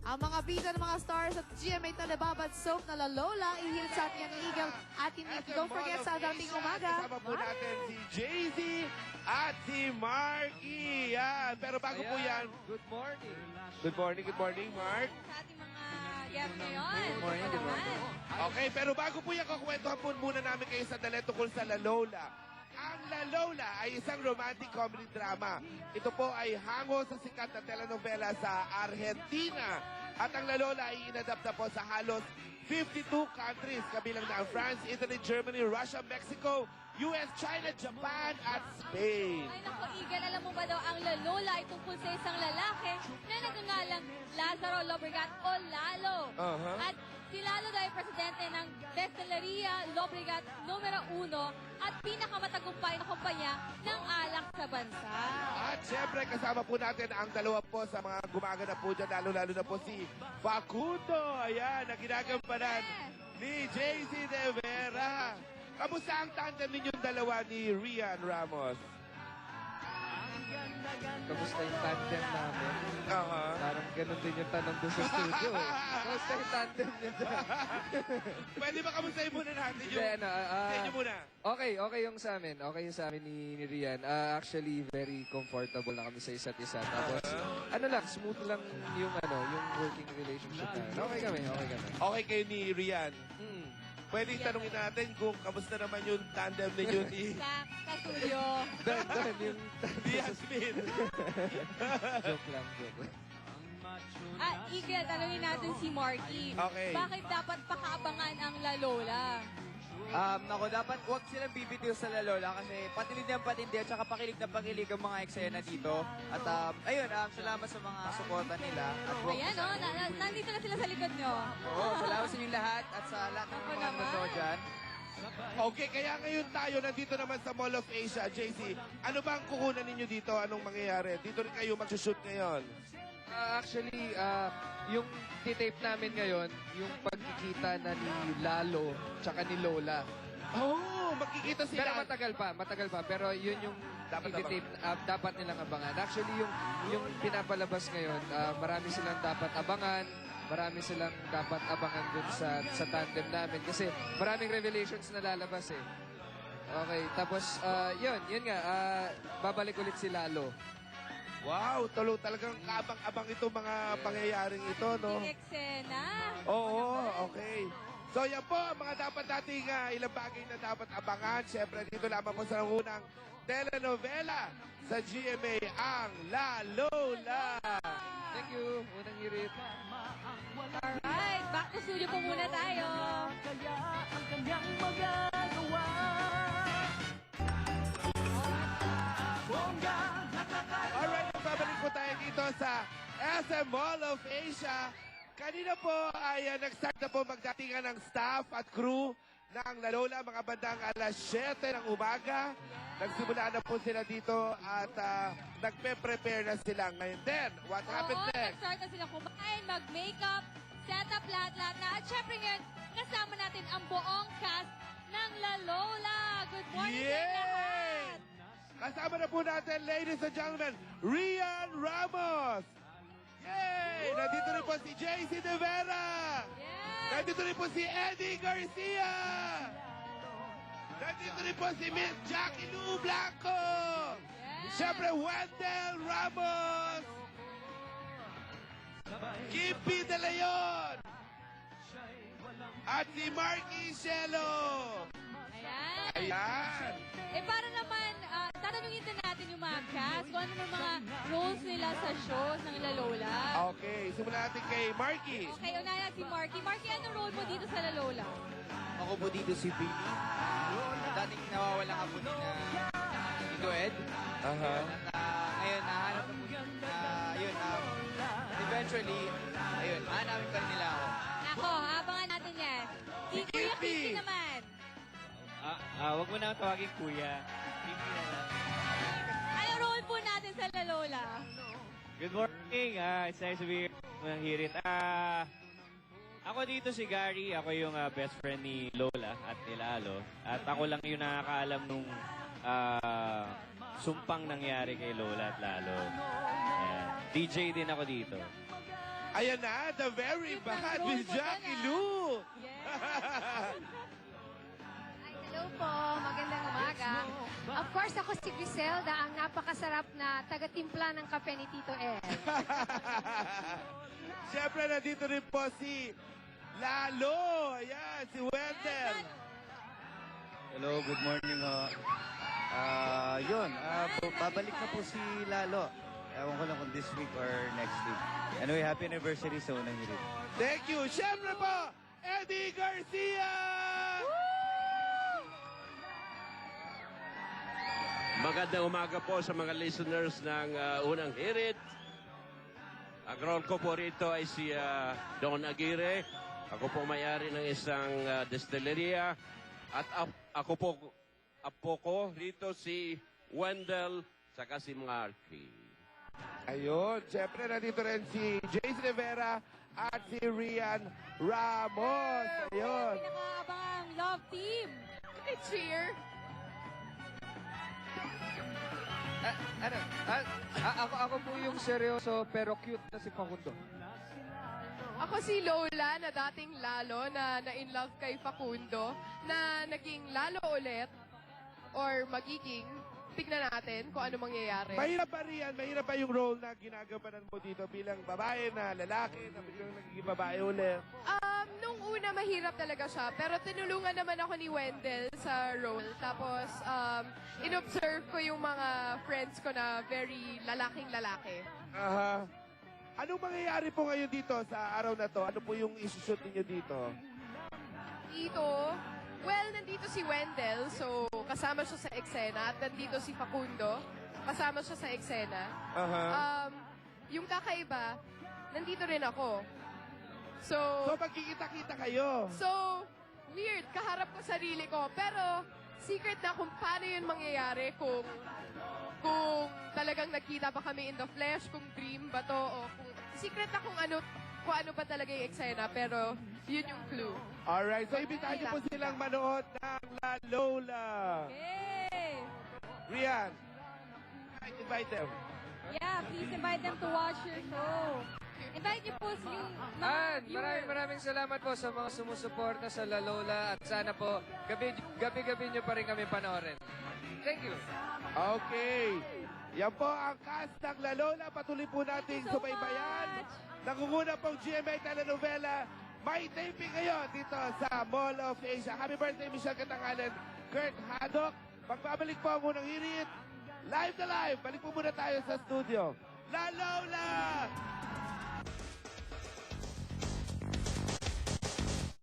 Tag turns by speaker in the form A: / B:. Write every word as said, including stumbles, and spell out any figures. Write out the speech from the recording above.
A: Ang mga bida ng mga stars at G M A na nababad soap na La Lola, ihilit sa ating Eagle at Inip. Don't forget sa dating umaga.
B: Kasama po natin si Jay-Z at si Marky. Yan. Pero bago po yan,
C: Good morning.
B: good morning, good morning, Mark.
D: Sa ating mga guests ngayon.
C: Good morning, good morning.
B: Okay, pero bago po yan, kakwentuhan po muna namin kayo sa dali tungkol sa La Lola. Ang La Lola ay isang romantic comedy drama. Ito po ay hango sa sikat na telenovela sa Argentina. At ang La Lola ay inadapt na po sa halos fifty-two countries, kabilang na ang France, Italy, Germany, Russia, Mexico, U S, China, Japan, at Spain.
D: Ay naku, Eagle, alam mo ba daw, ang La Lola ay tungkol sa isang lalaki na nagngangalang Lazaro Lobregat o Lalo.
B: Uh-huh.
D: At si Lalo daw ay presidente ng Destileria Lobregat numero uno at pinakamatagumpay na kumpanya ng alak sa bansa.
B: At syempre, kasama po natin ang dalawa po sa mga gumagana po dyan, lalo-lalo na po si Facundo. Ayan, na ginagampanan ni Jay-Z De Vera. Kamusta ang tandem ninyong dalawa ni Rian Ramos?
C: Kamusta yung tandem namin?
B: Aha.
C: Parang ganun din yung tanong doon sa studio. eh. Kamusta yung tandem niya dyan?
B: Pwede ba kamustahin muna natin yung...
C: Hindi, ano, ah,
B: sa inyo muna.
C: Okay, okay yung sa amin. Okay yung sa amin ni, ni Rian. Ah, actually, very comfortable na kami sa isa't isa. Tapos, ano lang, smooth lang yung ano, yung working relationship na. Okay kami, okay kami.
B: Okay kayo ni Rian.
C: Hmm.
B: Pwede tanungin natin kung kamusta naman yung tandem ninyo ni,
D: Sa kasuyo.
C: Doon, doon, yung...
B: ni Yasmin.
C: joke lang, joke lang.
D: Ah, Eagle, tanungin natin si Marky.
B: Okay.
D: Bakit dapat pakaabangan ang La Lola?
E: Um, ako, dapat huwag silang bibitiw sa La Lola kasi patindi ang patindi at saka pakilig na pakilig ang mga eksena dito. At um, ayun, um, salamat sa mga suporta nila. At huwag
D: Ayan, oh, na, na, nandito na sila sa likod nyo.
E: Oo, salamat sa inyong lahat at sa lahat ng
D: Ako
E: mga
D: naman.
E: nanonood dyan.
B: Okay, kaya ngayon tayo nandito naman sa Mall of Asia, J C. Ano ba ang kukunan ninyo dito? Anong mangyayari? Dito rin kayo magsushoot ngayon.
C: Ah, actually, ah, yung titape namin ngayon, yung pagkikita na ni Lalo tsaka ni Lola.
B: Oh, makikita
C: Pero
B: sila.
C: matagal pa, matagal pa. Pero yun yung
B: Dapat
C: titape, ah, dapat nilang abangan. Actually, yung yung pinapalabas ngayon, ah, marami silang dapat abangan. Marami silang dapat abangan dun sa, sa tandem namin. Kasi maraming revelations na lalabas eh. Okay, tapos ah, yun, yun nga, ah, babalik ulit si Lalo.
B: Wow, tulo talagang kabang-abang itong mga pangyayaring ito, no?
D: Yung eksena.
B: Oo, okay. So yan po, ang mga dapat nating uh, ilang bagay na dapat abangan. Siyempre, dito lamang po sa unang telenovela sa G M A, ang La Lola.
C: Thank you, unang hirit.
D: Alright, back to studio po muna tayo.
B: Alright, babalik po tayo dito sa S M Mall of Asia. Kanina po ay uh, nag-start na po magdatingan ng staff at crew ng La Lola, mga bandang alas siyete ng umaga. Nagsimula na po sila dito at uh, nagpe-prepare na sila ngayon. Then, what happened
D: Oo,
B: next?
D: nag-start na sila kumain, mag-makeup, set up lahat-lahat na. At syempre ngayon, kasama natin ang buong cast ng La Lola. Good morning sa
B: Yay!
D: lahat!
B: Kasama na po natin, ladies and gentlemen, Rian Ramos. Yay! Nandito rin po si Jay-Z De Vera.
D: Yes!
B: Nandito rin po si Eddie Garcia. Nandito rin po si Miss Jackie Lou Blanco.
D: Yes!
B: Siyempre, Wendell Ramos. Kippy De Leon. At si Marky Shelo.
D: Ayan.
B: Ayan.
D: Eh, para naman, ah, tatanungin din natin yung mga cast kung ano yung mga roles nila sa shows ng La Lola.
B: Okay, simulan natin kay Marky.
D: Okay, unahin si Marky. Marky, anong role mo dito sa La Lola?
E: Ako po dito si Billy. Dating nawawala ka po ni na Tito Ed.
B: Aha.
E: At ah, ngayon, nahanap na po na, yun, um, eventually, ayun, hanapin pa rin nila ako.
D: Ako, abangan natin yan. Si Kuya
B: Kippy.
D: Kippy naman.
F: Ah, ah, wag mo na akong tawagin kuya. Pipi na lang.
D: Anong role po natin sa La Lola?
F: Good morning. Ah, it's nice to be here. Unang hirit. Ah, ako dito si Gary. Ako yung ah, best friend ni Lola at ni Lalo. At ako lang yung nakakaalam nung ah, sumpang nangyari kay Lola at Lalo. Ayan. D J din ako dito.
B: Ayan na, the very
D: Cute ng
B: bad
D: role
B: with
D: mo
B: Jackie
D: dyan, ah.
B: Lou.
D: Yes.
G: Ay, hello po. Magandang umaga. Of course, ako si Griselda, ang napakasarap na taga-timpla ng kape ni Tito El.
B: Siyempre, nandito rin po si Lalo. Ayan, si Wendell.
H: Hello, good morning. ho. Ah, yun, ah, bu- babalik na po si Lalo. Ewan ko lang kung this week or next week. Anyway, happy anniversary sa unang hirit.
B: Thank you. Siyempre po, Eddie Garcia!
I: Magandang umaga po sa mga listeners ng uh, Unang Hirit. Ang role ko po rito ay si uh, Don Aguirre. Ako po may-ari ng isang uh, distilleria. At ap- ako po, apo ko rito si Wendell saka si Marky.
B: Ayun, siyempre nandito rin si Jace Rivera at si Rian Ramos. Ayun.
D: Pinakaabang love team.
A: Cheer!
C: Ah, ano, ah, ah, ako, ako po yung seryoso pero cute na si Facundo.
A: Ako si Lola na dating Lalo na na-in-love kay Facundo na naging Lalo ulit or magiging. Tignan natin kung ano mangyayari.
B: Mahirap ba Rian? Mahirap ba yung role na ginagampanan mo dito bilang babae na lalaki na biglang nagiging babae ulit?
A: Um, nung una, mahirap talaga siya. Pero tinulungan naman ako ni Wendell sa role. Tapos, um, in-observe ko yung mga friends ko na very lalaking lalaki.
B: Aha. Anong mangyayari po ngayon dito sa araw na to? Ano po yung isushoot ninyo dito?
A: Dito, well, nandito si Wendell, so kasama siya sa eksena. At nandito si Facundo, kasama siya sa eksena.
B: Aha.
A: Um, yung kakaiba, nandito rin ako. So,
B: So magkikita-kita kayo?
A: so, weird, kaharap ko sarili ko. Pero, secret na kung paano yun mangyayari kung kung talagang nagkita pa kami in the flesh, kung dream ba to, o kung secret na kung ano, kung ano pa talaga yung eksena, pero yun yung clue.
B: Alright, so ibitahan niyo po silang manood ng La Lola.
D: Okay.
B: Rian, invite them.
D: Yeah, please invite them to watch your show. Invite niyo po si mga
C: An,
D: viewers.
C: maraming maraming salamat po sa mga sumusuporta sa La Lola at sana po gabi, gabi-gabi nyo pa rin kami panoorin. Thank you.
B: Okay. Yan po ang cast ng La Lola. Patuloy po nating
D: so
B: subaybayan.
D: much.
B: Nangunguna pong G M A telenovela. May taping ngayon dito sa Mall of Asia. Happy birthday, Michelle Katangalan, Kurt Haddock. Magbabalik po ang unang hirit. Live na live. Balik po muna tayo sa studio. La Lola!